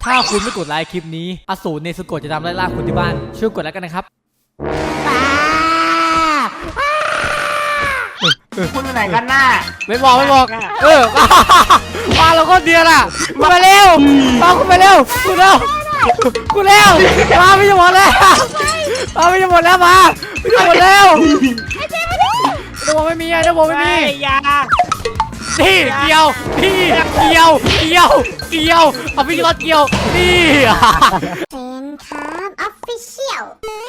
ถ้าคุณไม่กดไลค์คลิปนี้อสูรเนซึโกะจะทำไล่ล่าคุณที่บ้านช่วยกดแล้วกันนะครับคุณไปไหนกันน่ะไม่บอกมาเราก็เดียร์อ่ะมาเร็วมาคุณไปเร็วคุณเร็วมาไม่จะหมดแล้วมาไม่จะหมดแล้วมาไม่จะหมดแล้วระบบไม่มีระบบไม่มียานี่เกี่ยวเอาพี่รถเกี่ยวนี่เป็นครับออฟฟิเชียล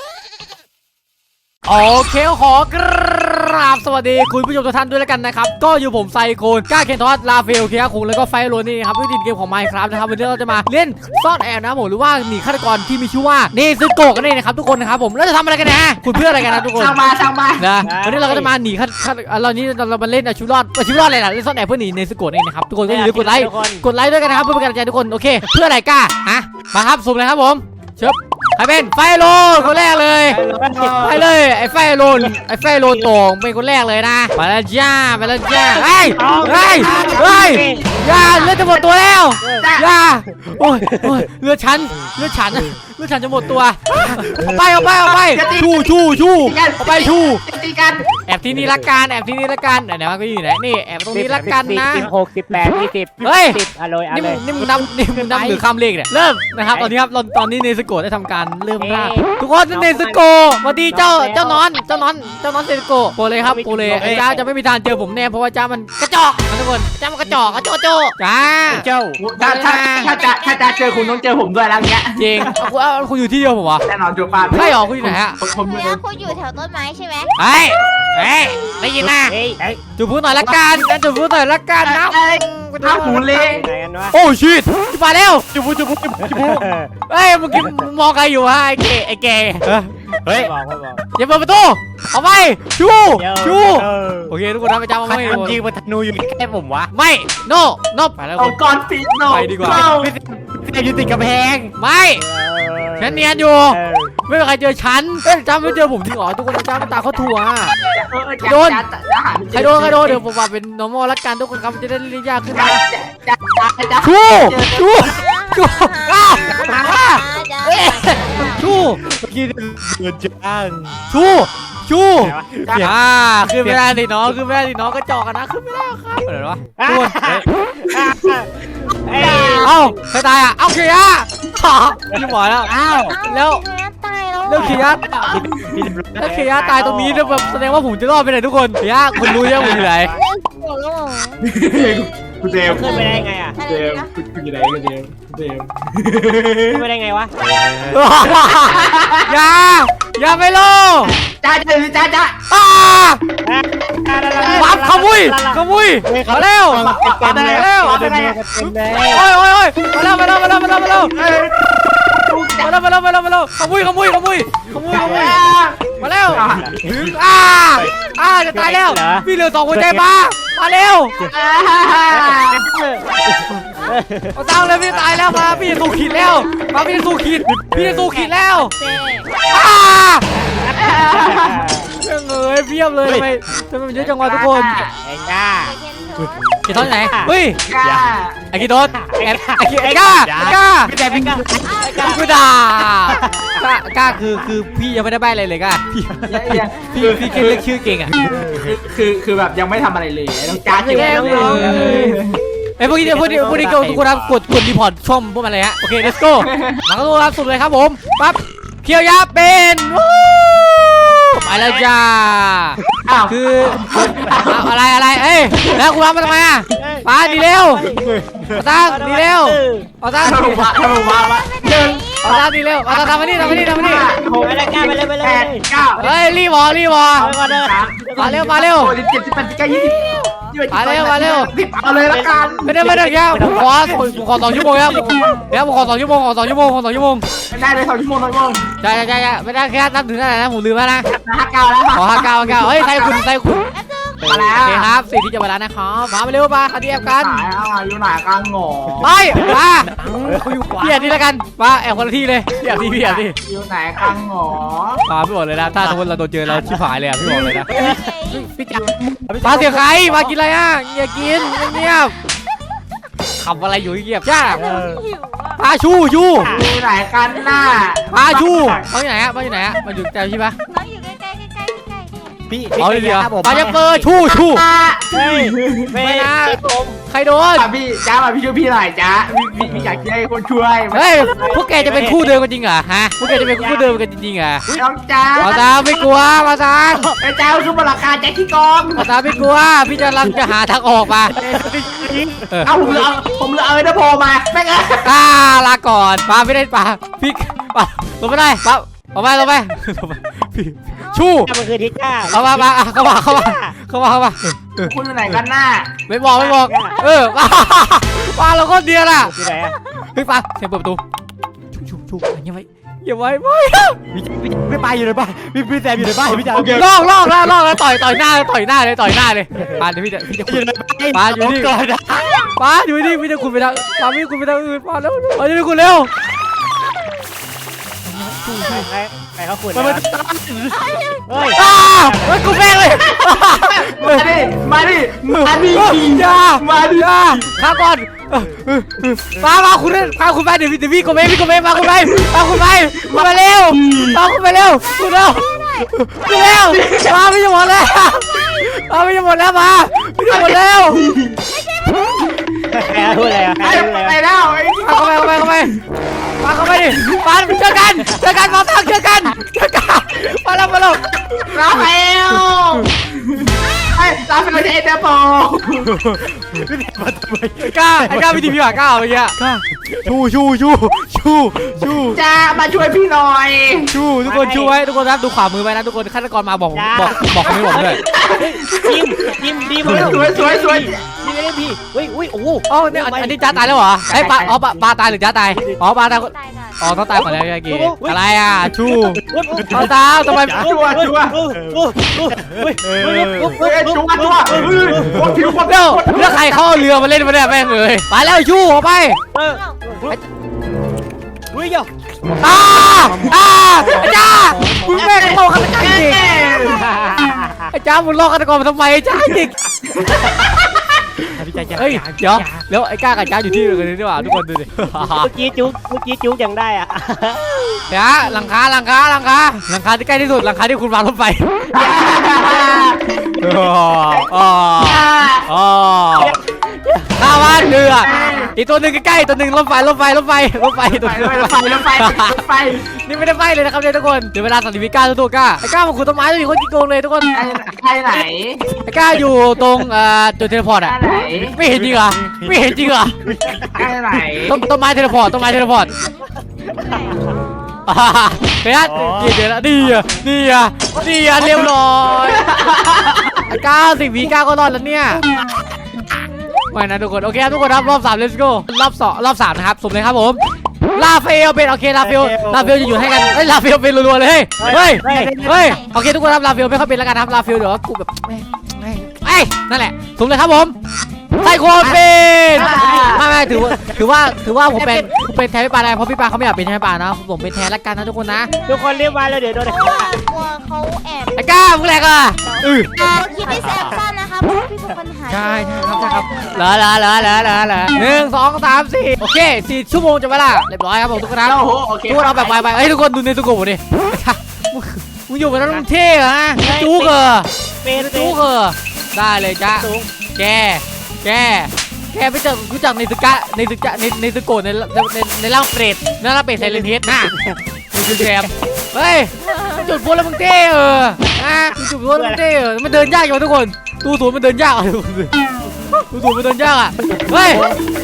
โอเคขอกราบสวัสดีคุณผู้ชมทุกท่านด้วยแล้วกันนะครับก็อยู่ผมไซโคนก้าเคนทอสลาเฟลเคียคุงแล้วก็ไฟโรนี่ครับวิธีเกมของ Minecraft นะครับวันนี้เราจะมาเล่นซ่อนแอบนะผมหรือว่าหนีฆาตกรที่มีชื่อว่าเนซึโกะกันเองนะครับทุกคนนะครับผมแล้วจะทำอะไรกันนะคุณเพื่ออะไรกันนะทุกคนช่างมานะวันนี้เราก็จะมาหนีฆาตเรานี้เรามาเล่นชีวิตรอดอะไรล่ะเล่นซ่อนแอบเพื่อหนีเนซึโกะเองนะครับทุกคนก็อย่าลืมกดไลค์ด้วยกันนะครับเพื่อเป็นกำลังใจทุกคนโอเคเพื่ออะไรก้ามาครับสุ่มเลยครับผมเชิบใครเป็นไฟโลนคนแรกเลยไปเลยไอ้ไฟโลนโต่งเป็นคนแรกเลยนะไปแล้วจ้าเฮ้ยอย่าเลือดจะหมดตัวแล้วอย่าโอ้ยเลือดฉันจะหมดตัวเอาไปชูเอาไปชูตีกันแอบที่นี่ละกันไหนๆมันก็อยู่ไหนนี่แอบตรงนี้ละกันนะ 18 20 เฮ้ยนี่มึงนำหรือข้ามเลขเนี่ยเริ่มนะครับตอนนี้เนซึโกะได้ทำการเริ่มล่าทุกคนเนซึโกะสวัสดีเจ้านอนเนซึโกะโปรเลยครับไอ้จ้าจะไม่มีทางเจอผมแน่เพราะว่าจ้ามันกระจอกทุกคนจ้ามันกระจอกโจจ้าถ้าจะเจอคุณต้องเจอผมด้วยแล้วเงี้ยจริงคุณอยู่ที่เดียวผมวะแน่นอนจูป้าใช่หรอคุณอยู่ไหนฮะคุณอยู่แถวต้นไม้ใช่ไหมเฮ้ยได้ยินนะจูบพูดหน่อยละกันนะถ้าหมูเล้งโอ้ชิตจะมาแล้วจูบเฮ้ยเมื่อกี้มองใครอยู่ฮะไอ้เกเฮ้ยอย่าเปิดประตูเอาไปชูโอเคทุกคนนะไปจ้ามาไม่ยิงมันธนูอยู่แค่ผมวะไม่โนไปแล้วองกรฟีโนไปดีกว่าอยู่ติดกำแพงไม่ฉันเนียนอยู่ไม่มีใครเจอฉันจ้าไม่เจอผมจริงหรอทุกคนจ้าตาเขาถั่วโดนใครโดนเดี๋ยวผมว่าเป็น normal ละกันทุกคนครับจะได้เรียกยากขึ้นนะชูกินเงินจ้างชูขึ้นไม่ได้สิน้องก็จอกกันนะขึ้นไม่ได้ครับอะไรวะทุกคนเอ้าใครตายเอ้าเคียร์พี่หมอแล้วแล้วเคียร์ตายตรงนี้เนี่ยแบบแสดงว่าผมจะรอดไปไหนทุกคนเคียร์คุณรู้ยังผมอยู่ไหนคุณเจมขึ้นไปได้ไงอ่ะคุณอยู่ไหนคุณเจมขึ้นไปได้ไงวะอย่าไปโลจ้าวับขมุยมาเร็วโอ้ยมาเร็วขมุยมาเร็วถึงจะตายแล้วพี่เหลือ2หัวใจมาเร็วเอาตังเลยพี่ตายแล้วมาพี่สู้ขีดแล้วพี่สู้ขีดแล้วเพียบเลยทำไมมันเยอะจังวะทุกคนไอ้ก้ากี่ต้นไหนเฮ้ยไอ้กี่ต้นไอ้ก้าแต่พี่กูด่ากล้าคือพี่ยังไม่ได้ใบอะไรเลยก้าพี่เรียกชื่อเก่งอ่ะคือแบบยังไม่ทำอะไรเลยต้องจ้าเก่งไอ้พวกนี้ทุกคนครับกดรีพอร์ตช่องพวกมันเลยฮะโอเค let's go หลังตัวรับสุดเลยครับผมปั๊บเคียวยาเป็นไปแล้วจ้าคืออะไรเอ้ยแล้วคุณรับมาทำไมมาดีเร็วตั้งดีเร็วตั้งทำดีเร็วทำมานี่ไปเลยเฮ้ยรีบมาเร็วมาเร็วเลยละกันไม่ได้แค่ผมขอ2 ชั่วโมงครับผมขอ2 ชั่วโมงได้เลย2 ชั่วโมงใช่ไม่ได้แค่นับถึงเท่าไหร่นะผมลืมแล้วนะ 59แล้วขอ59เฮ้ยใส่คุณมาแล้วโอเคครับสิ่งที่จะมาแล้วนะครับมาเร็วมาคันที่แอบกันอยู่ไหนกันหงอไปมาพี่แอบนี่แล้วกันมาแอบคนละที่เลยพี่แอบที่อยู่ไหนกันหงอมาพี่บอกเลยนะถ้าสมมติเราโดนเจอเราชิบหายเลยพี่บอกเลยนะพี่จ๋ามาเสียใครมากินอะไรอย่ากินเงียบขับอะไรอยู่เงียบจ้าหิวอ่ะพาชูอยู่ไหนกันน่ะพาชูมาอยู่ไหนฮะมาอยู่ไหนฮะมาอยู่แต่ใช่ปะน้องอยู่ใกล้ๆใกล้ๆใกล้ๆพี่เอาเลยเดียวผมปาจะเปิดชูเฮ้ยไม่ไม่นะผมใครโดนพี่จ้ามาพี่ช่วยพี่หน่อยจ้าพี่อยากให้คนช่วยเฮ้ยพวกแกจะเป็นคู่เดิมกันจริงเหรอฮะพวกแกจะเป็นคู่เดิมกันจริงๆเหรอน้องจ้ามาตามไม่กลัวมาตามไอ้จ้าคือมูลค่าแจ็คที่กองมาตามไม่กลัวพี่จะรังจะหาทางออกมาเอาผมเหลือเอเดอร์โพมาแม่งลาก่อนปาไม่ได้ปาพี่ปาลงไม่ได้ปาลงไปพี่ชูมันคือทิก้าเข้ามาเข้ามาคุณอยู่ไหนกันน่ะไม่บอกปาเราก็เดียร์ล่ะที่ไหนอะเฮ้ยปาเสียงเปิดประตูชูอย่าไว้ไม่ไม่ไปอยู่ในบ้านพี่แซมอยู่ในบ้านพี่จ๋าลอกแล้วต่อยหน้าเลยปาเดี๋ยวพี่จะอยู่ในบ้านปาอยู่นี่ก่อนนะปาอยู่นี่พี่จะคุณไปทางปาพี่คุณไปทางอื่นปาแล้วปาจะไปคุณเร็วไปเขาขุดมาเฮ้ยเฮ้ยกูแม่งเลยมาดิอย่าข้าก่อนมาคุณไปเดี๋ยวพี่กูไม่มาคุณไปมาเร็วคุณเร็วมาไม่จะหมดแล้วมาไม่จะหมดแล้วมาไม่จะหมดแล้วพูดอะไรอะไปแล้วเข้าไปดิปาเจอกันมาตั้งเจอกันมาแล้วราฟาเอลไอ้ราฟาเอลจะเอเดอร์โพกล้าวิธีพี่หว่ากล้าเมื่อกี้ชูจ้ามาช่วยพี่หน่อยทุกคนชูไว้ทุกคนครับดูขวามือไว้นะทุกคนฆาตกรมาบอกคำนี้บอกด้วยจิมดีสวยนี่ไม่ได้พี่อุ้ยโอ้โหอ๋อเนี่ยอันนี้จ้าตายแล้วเหรอไอ้ปลาปลาตายหรือจ้าตายอ๋อปลาตายตายก่อนอ๋อต้องตายก่อนแล้วเมื่อกี้อะไรอ่ะชูปลาตาทำไมชัวเดี๋ยวแล้วใครเขาเอาเรือมาเล่นมาเนี่ยแม่งเลยไปแล้วชูออกไปอุ้ยเดี๋ยวจ้ามึงแม่งโลฆาตกรจริงไอ้จ้ามึงโลฆาตกรมาทำไมจ้าจริงพี่จ๋าเฮ้ยเดี๋ยวแล้วไอ้ก้ากับจ้าอยู่ที่เดียวกันนี่หว่าทุกคนดูดิเมื่อกี้จุ๊กยังได้อ่ะเดี๋ยวหลังคาที่ใกล้ที่สุดหลังคาที่คุณวางรถไฟข้าบ้านเรืออีกตัวหนึ่งใกล้ๆตัวหนึ่งรถไฟตัวนึงนี่ไม่ได้ไฟเลยนะครับเนี่ยทุกคนเดี๋ยวเวลาสันติวิก้าตัวก้าไอ้ก้ามันขุดต้นไม้อยู่คนกี่โกงเลยทุกคนใครไหนไอ้ก้าอยู่ตรงจุดเทเลพอร์ตอ่ะไม่เห็นจริงเหรอใครไหนต้นไม้เทเลพอร์ตเฮ้ยเดี๋ยวดีอ่ะเรียบร้อยไอ้ก้า10 วิก้าก็รอดแล้วเนี่ยไม่นะทุกคนโอเคครับทุกคนครับรอบ3 let's go รอบ3นะครับสุ่มเลยครับผมลาเฟลเป็นโอเคลาเฟลจะอยู่ให้กันลาเฟลเป็นรัวๆเลยเฮ้ยโอเคทุกคนครับลาเฟลไม่ค่อยเป็นแล้วกันครับลาเฟลเดี๋ยวกูแบบไม่นั่นแหละสุ่มเลยครับผมไซโคเป็นไม่ถือว่าผมเป็นแทนพี่ปาได้เพราะพี่ปาเขาไม่อยากเป็นแทนพี่ปานะผมเป็นแทนละกันนะทุกคนนะทุกคนเรียบร้อยแล้วเดี๋ยวโดนเพราะว่ากลัวเขาแอบไอ้ก้ามึงแหลกอ่ะคิดให้แซมสั้นนะคะเพราะว่าพี่เป็นคนหาใช่ครับเหรอ1 2 3 4โอเค4 ชั่วโมงจะเวลาเรียบร้อยครับผมทุกคนนะโอเคทุกคนเอาแบบไวๆเฮ้ยทุกคนดูในตุกผมดิมึงอยู่กับน้องเท่เหรอฮะจู๊กเหรอเป็นจู๊กเหรอได้เลยจ้ะแกไม่เจอรู้จักในตึกะในตึกโกะในร่างเปรตในร่างเปรตไซเลนเฮดน่ะมึงคือแกมเฮ้ยจุดพลุแล้วมึงเท่จุดพลุแล้วมึงเท่มันเดินยากอยู่ทุกคนตู้ศูนย์มันเดินยากอ่ะทุกคนตู้ศูนย์มันเดินยากอ่ะเฮ้ย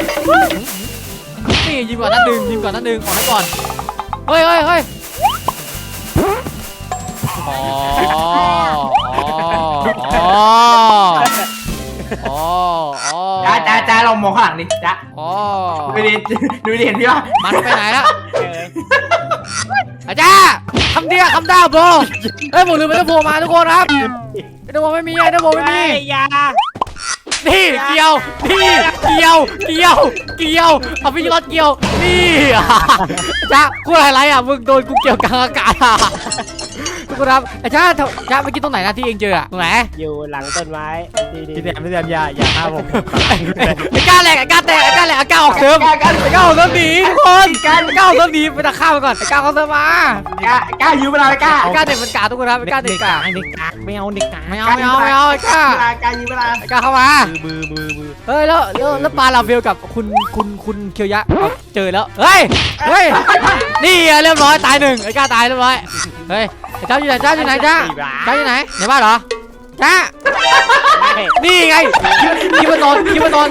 นี่ยิงก่อนนัดหนึ่งขอให้ก่อนเฮ้ยจ้าเรามองข้างหลังดิจ้าดูดิเห็นพี่ป่ะมันไปไหนแล้วอาจารย์คำดาวโบเฮ้ยผมลืมไปแล้วโบมาทุกคนครับไอ้โบไม่มียานี่เกี่ยวเอาพี่รถเกี่ยวนี่จ้ากูอะไรอ่ะมึงโดนกูเกี่ยวกลางอากาศทุกคนคนครับไอ้จ้าจ้าเมื่อกี้ตรงไหนนะที่เองเจออะตรงไหนอยู่หลังต้นไม้ดีพี่แซมอย่าฆ่าผมไอ้ก้าแหลกไอ้ก้าแตกไอ้ก้าแหลกไอ้ก้าออกเสริมไอ้ก้าออกเสริมหนีทุกคนไอ้ก้าออกเสริมหนีไปตะข้ามไปก่อนไอ้ก้าเขาเสริมมากล้ายืมเวลาไปกล้าไอ้ก้าเด็กมันกาทุกคนครับไอ้ก้าเด็กกาเด็กกากไม่เอาเด็กกากไม่เอาไอ้ก้ากล้ายืมเวลาไอ้ก้าเข้ามามือเฮ้ยแล้วปลาลาเวลกับคุณเคียวยักษ์เจอแล้วเฮ้ยนี่เรียบร้อยตายหนึ่งไอ้ก้าตายเรียบร้อยเฮ้ยไอ้เจ้าอยู่ไหนเจ้าอยู่ไหนเจ้าอยู่ไหนในบ้านเหรอจ้านี่ไงคิดว่านอนคิดว่านอน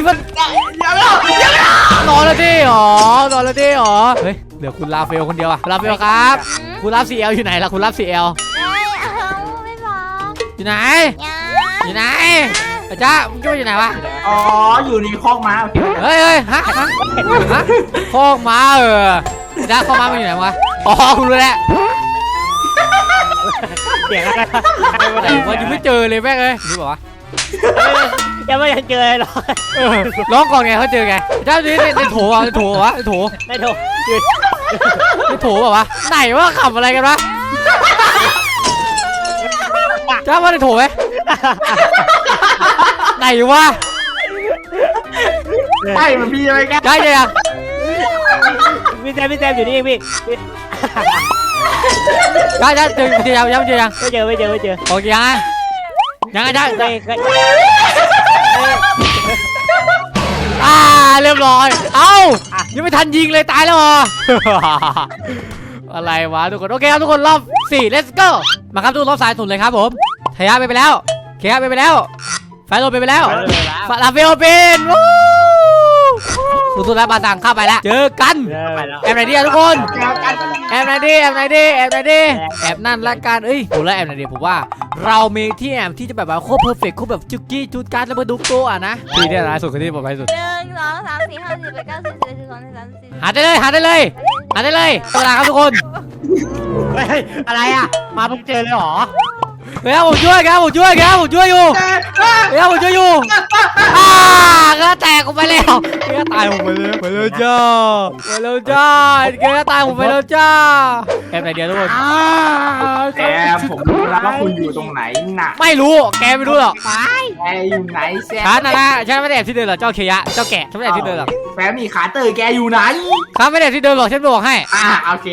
แล้วดิหรอนอนแล้วดิหรอเฮ้ยเหลือคุณลาเฟลคนเดียวอะลาเฟลครับคุณรับ CL อยู่ไหนล่ะคุณรับ CL ไม่บอกอยู่ไหนยาอยู่ไหนไอ้จ้ามึงคิดว่าอยู่ไหนวะอ๋ออยู่ในคอกม้าเฮ้ยฮะคอกม้าจ้าคอกม้ามันอยู่ไหนวะอ๋อคุณรู้แล้วเสียงอะไรไหนวะยังไม่เจอเลยแม่งเลยรู้ป่าวะยังไม่ยังเจอหรอกร้องก่อนไงเขาเจอไงจ้าดูนี่ในโถอ่ะในโถวะในโถไม่โทรในโถป่าวะไหนวะขับอะไรกันวะจ้าว่าในโถไหมไหนวะใช่มันพี่อะไรแกได้เลยอ่ะพี่แซมอยู่นี่เองพี่ได้เจอยังเจอยังไม่เจอโอเคยังไงจ้า เรียบร้อยเอ้ายังไม่ทันยิงเลยตายแล้วเหรออะไรวะทุกคนโอเคครับทุกคนรอบ4 let's go มาครับทุกคนรอบสายสุดเลยครับผมเทียไปแล้วเคลียไปแล้วไฟโรไปแล้วลาเฟลเป็นสุดๆแล้วบาตังเข้าไปแล้วเจอกันแอบไหนดีทุกคนแอบไหนดีแอบนั่นละกันเอ้ยผมแล้วแอบไหนดีผมว่าเรามีที่แอบที่จะแบบว่าโคตรเพอร์เฟกต์โคตรแบบจุกกี้จุดการแล้วมาดูโกอ่ะนะที่เนี่ยนะสุดที่ผมไปสุด 1 2 3 4 5 10 9 10 11 12 13 หาได้เลยเวลาครับทุกคนอะไรอ่ะมาเพิ่งเจอเลยหรอเฮ้ยผมช่วยอยู่ผมช่วยอยู่ก็แตกออกไปแล้วก็ตายผมไปแล้วจ้าก็ตายผมไปแล้วจ้าแอบไหนเดียวทุกคนแกผมรู้แล้วว่าคุณอยู่ตรงไหนน่ะไม่รู้แกไม่รู้หรอกแกอยู่ไหนแซมฉันนะฉันไม่ได้แอบที่เดินหรอกเจ้าเคยะเจ้าแกะฉันไม่ได้แอบที่เดินหรอกแฟมีขาเตยแกอยู่ไหนข้าไม่ได้แอบที่เดินหรอกฉันบอกให้โอเค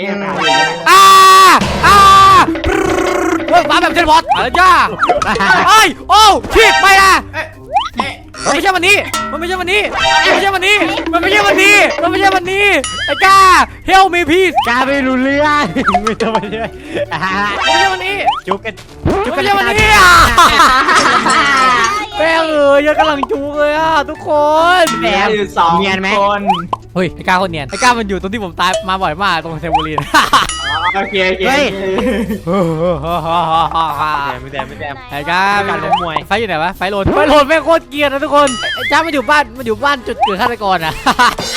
มาแบบเทนบอสอะไรจ้าเอ้ยโอ้ชิดไปนะมันไม่ใช่วันนี้ไอ้ก้า help me please กาไม่รู้เรื่องไม่ต้องไปเรื่อยไม่ใช่วันนี้จุกกันไม่ใช่วันนี้แม่ยังกำลังจูเลยทุกคนแกอยู่2 คนเฮ้ยไอ้ก้าคนเนียนไอ้ก้ามันอยู่ตรงที่ผมตายมาบ่อยมากตรงเทมโบลีนโอเคไม่แซมไอ้ก้าการล้มมวยไฟอยู่ไหนวะไฟโหลดแม่งโคตรเกลียดนะทุกคนไอ้จ้ามันอยู่บ้านจุดเกิดฆาตกรอ่ะ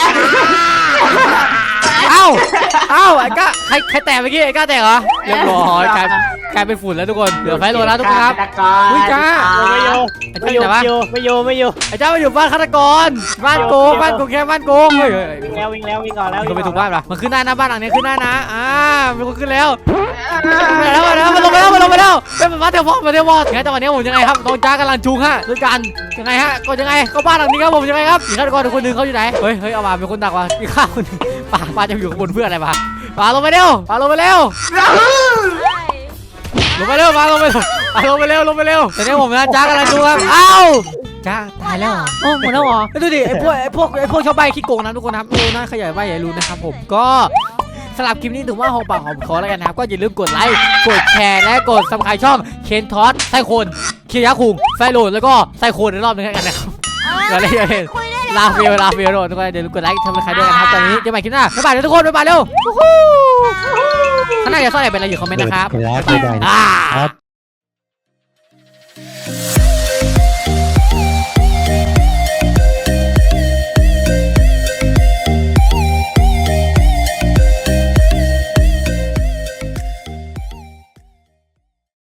เอ้าไอ้ก้าใครแตกเมื่อกี้ไอ้ก้าแตกเหรอเรียบร้อยกลายเป็นฝุ่นแล้วทุกคนเหลือไฟโหลดแล้วทุกคนครับเฮ้ยจ้าไม่โยไอ้จ้าอยู่ไหนวะไม่โยไอ้เจ้ามาอยู่บ้านฆาตกรบ้านโกงแค่บ้านโกงเฮ้ยวิ่งก่อนแล้วมันไปถูกบ้านปะมันขึ้นได้นะบ้านหลังนี้ขึ้นได้นะมีคนขึ้นแล้วมันลงไปแล้วเป็นมาเทวอดงั้นจังหวะนี้ผมยังไงครับน้องจ้ากำลังจูงฮะด้วยกันยังไงฮะก็ยังไงก็บ้านหลังนี้ครับผมยังไงครับอีกฆาตกรคนหนึ่งเขาอยู่ไหนเฮ้ยเอามาเป็นคนดักว่ะมีข้าวคนนึงป้าจะอยู่ข้างบนเพื่ออะไรปะลงไปเร็วลงไปเร็วแต่นี้ผมนะจ้ากำลังจูงครับจ้าตายแล้วหมดแล้วเหรอดูดิไอ้พวกชาวบ้านขี้โกงนะทุกคนครับน่าขยายใบใหญ่รู้นะครับผมก็สำหรับคลิปนี้ถือว่าหอมปากหอมคอแล้วกันนะครับก็อย่าลืมกดไลค์กดแชร์และกดซับสไครต์ช่องเคนทอสไซโคนเคียคุงไซโรนแล้วก็ไซโคนในรอบนึงกันนะครับอย่าเล่นลาเฟียโรทุกคนอย่าลืมกดไลค์ทำอะไรด้วยกันนะครับตอนนี้เจอกันใหม่คลิปหน้าบ๊ายบายทุกคนบ๊ายบายเร็วข้างหน้าอย่าซ่อนอะไรเป็นอะไรอยู่คอมเมนต์นะครับ